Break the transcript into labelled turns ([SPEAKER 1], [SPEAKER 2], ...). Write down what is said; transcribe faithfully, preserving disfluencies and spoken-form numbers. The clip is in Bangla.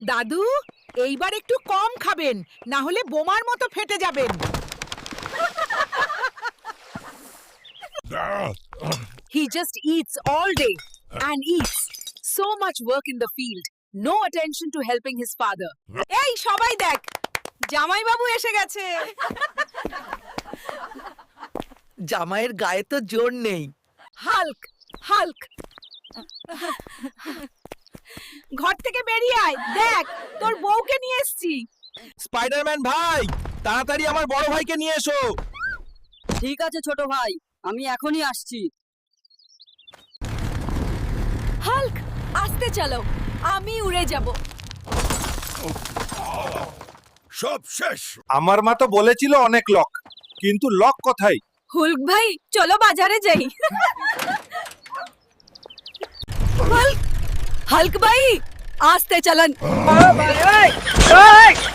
[SPEAKER 1] দাদু, এইবার একটু কম খাবেন, না হলে বোমার মতো ফেটে যাবেন।
[SPEAKER 2] He just eats all day and eats. So much work in the field. No attention to helping his father.
[SPEAKER 1] এই সবাই দেখ, জামাই বাবু এসে গেছে।
[SPEAKER 3] জামাইয়ের গায়ে তো জোর নেই।
[SPEAKER 1] হাল্ক, হাল্ক, ঘর থেকে বেরিয়ে আয়, দেখ তোর বউকে নিয়ে এসেছি।
[SPEAKER 4] স্পাইডারম্যান ভাই, তাড়াতাড়ি আমার বড় ভাইকে নিয়ে এসো।
[SPEAKER 2] ঠিক আছে ছোট ভাই, আমি এখনই আসছি। হাল্ক, আস্তে চালো, আমি উড়ে যাব।
[SPEAKER 4] সব শেষ। আমার মা তো বলেছিল অনেক লক, কিন্তু লক কোথায়?
[SPEAKER 2] হুল্ক ভাই, চলো বাজারে যাই। হাল্ক, হাল্ক ভাই, আস্তে চালান।